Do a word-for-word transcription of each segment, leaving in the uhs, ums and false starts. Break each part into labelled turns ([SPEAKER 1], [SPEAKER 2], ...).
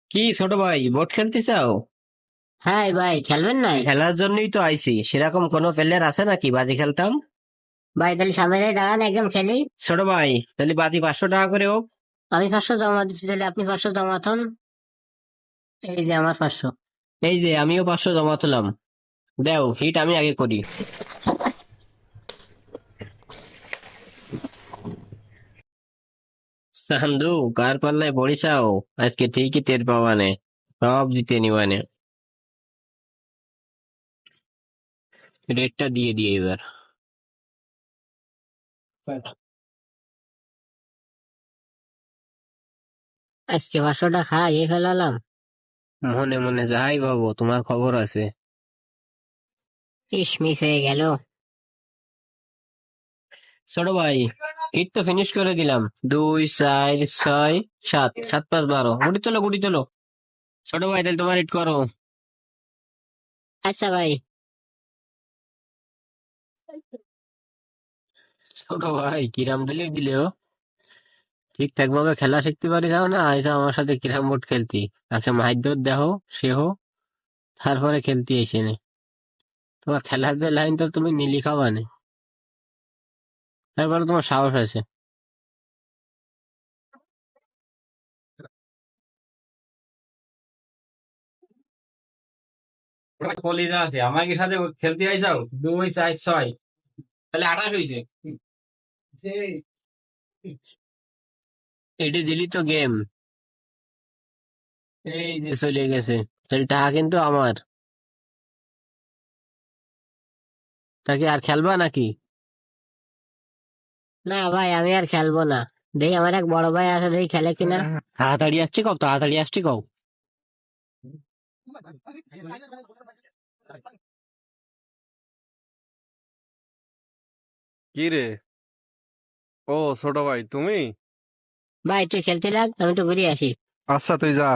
[SPEAKER 1] কি ছোট ভাই, বোট খেলতে চাও?
[SPEAKER 2] হ্যাঁ ভাই, খেলবেন নাই?
[SPEAKER 1] খেলার জন্যই তো আইছি। সেরকম কোনো প্লেয়ার আছে নাকি বাজি খেলতাম?
[SPEAKER 2] ভাই তাহলে সামনে দিয়ে দাঁড়ান, একদম খেলি।
[SPEAKER 1] ছোট ভাই, তাহলে বাজি পাঁচশো টাকা করে হোক।
[SPEAKER 2] আমি পাঁচশো জমা দিচ্ছি, তাহলে আপনি পাঁচশো জমা থন। এই যে আমার পাঁচশো।
[SPEAKER 1] এই যে আমিও পাঁচশো জমা তুলাম। দেও হিট আমি আগে করি। সান্দু, কার পাল্লায় পড়িসাও? আজকে ঠিকই টের পাওয়ানে, সব জিতে নিবানে। রেটটা দিয়ে দিয়ে এবার।
[SPEAKER 2] আজকে পাঁচশোটা খাইয়ে ফেলালাম।
[SPEAKER 1] মনে মনে যাই ভাবো, তোমার খবর আছে।
[SPEAKER 2] ইস, মিস হয়ে গেল।
[SPEAKER 1] ছোট ভাই, হিট তো ফিনিশ করে দিলাম। দুই, চার, ছয়, সাত, সাত পাঁচ বারো, গুটি তোলো গুটি তোলো। ছোট ভাই, তাহলে তোমার হিট করো।
[SPEAKER 2] আচ্ছা ভাই।
[SPEAKER 1] ছোট ভাই, কিরাম দিলে দিলেও ঠিকঠাক ভাবে খেলা শিখতে পারি যাও না, আইসা আমার সাথে কিরাম বোর্ড খেলতি। আগে মাইদর দেহ সেহ, তারপরে খেলতি এসে নে। তোমার খেলার যে লাইন তো তুমি নিলি খাবানে, তারপরে তোমার সাহস আছে। কলিজা আছে, আমাকে সাথে খেলতে আইসাও। দুই, চার, ছয়, তাহলে আঠাশ হয়েছে। এটি দিলি তো গেম। এই যে চলে গেছে। তাহলে টাকা কিন্তু আমার। তাকে আর খেলবা নাকি?
[SPEAKER 2] না ভাই, আমি আর খেলবো না। দেখি আমার এক বড় ভাই আছে, দেখি খেলে কিনা।
[SPEAKER 1] তাড়াতাড়ি আসছি কও, তাড়াতাড়ি আসছি কও।
[SPEAKER 3] কি রে? ও, ছোট ভাই তুমি?
[SPEAKER 2] ভাই তুই খেলতে লাগ, আমি একটু ঘুরে আসি।
[SPEAKER 3] আচ্ছা, তুই যা।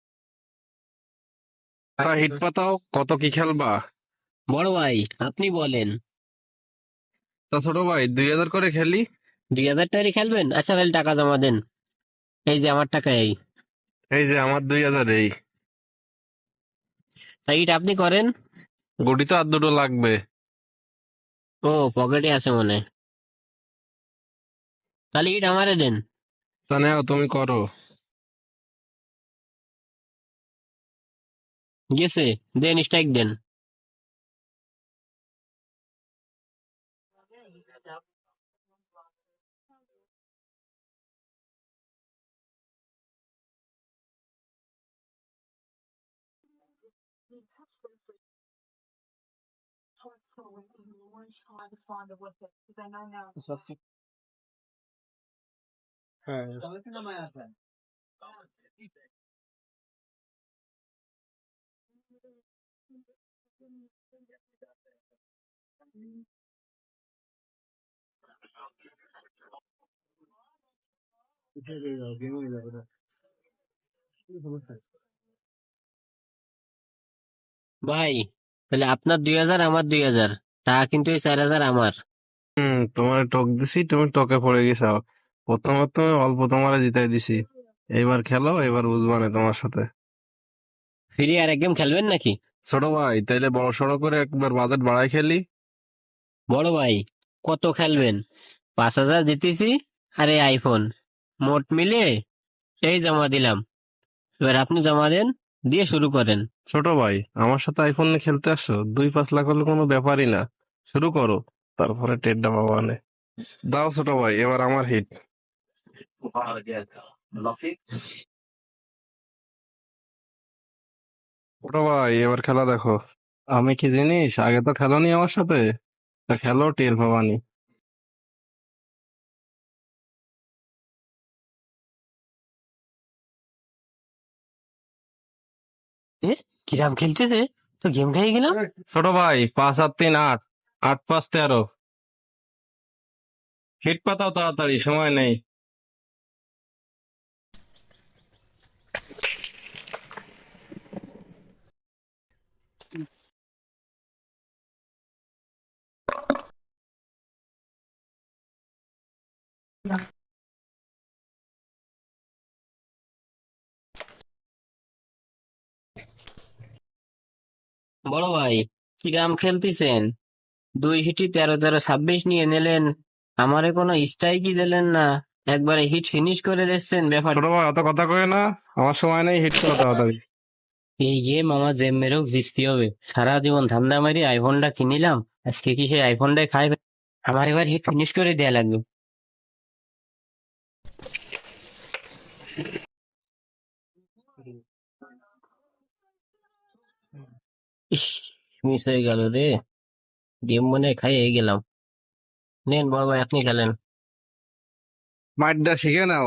[SPEAKER 3] তা হিট পাতাও, কত কি খেলবা?
[SPEAKER 1] বড় ভাই, আপনি বলেন।
[SPEAKER 3] তা ছোট ভাই, দুই হাজার করে খেলি।
[SPEAKER 1] দুই হাজার টাকারই খেলবেন? আচ্ছা তাহলে টাকা জমা দেন। এই যে আমার টাকা এই।
[SPEAKER 3] এই যে আমার দুই হাজার এই।
[SPEAKER 1] তাই এটা আপনি করেন।
[SPEAKER 3] গুটি তো আর দুটো লাগবে।
[SPEAKER 1] ও, পকেটে আছে মনে হয়। তাহলে ইট আমারে দেন।
[SPEAKER 3] তা নেও, তুমি করো।
[SPEAKER 1] গেছে, দেন স্ট্রাইক দেন। ভাই, তাহলে আপনার দুই হাজার, আমার দুই হাজার। টাকা কিন্তু এই চার হাজার আমার।
[SPEAKER 3] হুম, তোমার টক দিছি, তুমি টকে পড়ে গেছাও। প্রথমে তুমি অল্প তোমারে জিতাই দিছি। এইবার খেলো, এবার বুঝবানে তোমার সাথে।
[SPEAKER 1] ফিরে আর এক গেম খেলবেন নাকি?
[SPEAKER 3] ছোট ভাই, তাইলে বড় সড়ো করে একবার বাজেট বাড়াই খেলি।
[SPEAKER 1] বড় ভাই, কত খেলবেন? পাঁচ হাজার জিতেছি, আরে আইফোন মোট মিলে এই জমা দিলাম। এবার আপনি জমা দেন, দিয়ে শুরু করেন।
[SPEAKER 3] ছোট ভাই, আমার সাথে আইফোন নিয়ে খেলতে আসছো? দুই পাঁচ লাখ হলে কোনো ব্যাপারই না। শুরু করো, তারপরে টেড্ডা বাবানে। দাও ছোট ভাই, এবার আমার হিট। ছোট ভাই, এবার খেলা দেখো। আমি কি জিনিস, আগে তো খেলোনি আমার সাথে। তা খেলো, টের পাবানি।
[SPEAKER 1] এ, কিরাম খেলতেছে, তো গেম খেয়ে গেলাম।
[SPEAKER 3] ছোট ভাই, পাঁচ আর তিন আট, আট পাঁচ তেরো। হিট পাতাও তাড়াতাড়ি, সময় নেই।
[SPEAKER 1] বড় ভাই, কিরাম খেলতেছেন? দুই হিটই তেরো তেরো ছাব্বিশ নিয়ে নিলেন, আমারে কোনো স্ট্রাইকই দিলেন না, একবারে হিট ফিনিশ করে দিচ্ছেন। ব্যাপার
[SPEAKER 3] ছোট ভাই অত কথা কয়ে না, আমার সময় নেই হিট করা তাড়াতাড়ি।
[SPEAKER 1] এই গেম আমার জেম মেরেও জিততে হবে। সারা জীবন ধান্দা মারি আইফোনটা কিনিলাম, আজকে কি সেই আইফোনটাই খাই? আমার এবার হিট ফিনিশ করে দেয়া লাগবে। ইস, মিস হয়ে গেল রে, গেম মনে হয় খাইয়ে গেলাম। নেন বড় ভাই, আপনি খেলেন।
[SPEAKER 3] মাইটটা শিখে নাও।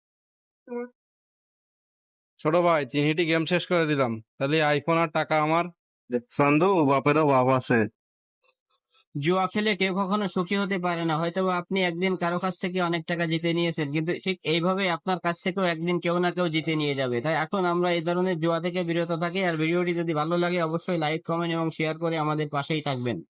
[SPEAKER 3] ছোট ভাই তিন হিটই গেম শেষ করে দিলাম, তাহলে আইফোন আর টাকা আমার। চান্দু বাপেরও বাপ আছে।
[SPEAKER 1] জুয়া খেলে কেউ কখনো সুখী হতে পারে না। হয়তো বা আপনি একদিন কারো কাছ থেকে অনেক টাকা জিতে নিয়েছেন, কিন্তু ঠিক এইভাবে আপনার কাছ থেকেও একদিন কেউ না কেউ জিতে নিয়ে যাবে। তাই এখন আমরা এই ধরনের জুয়া থেকে বিরত থাকি। আর ভিডিওটি যদি ভালো লাগে অবশ্যই লাইক, কমেন্ট এবং শেয়ার করে আমাদের পাশেই থাকবেন।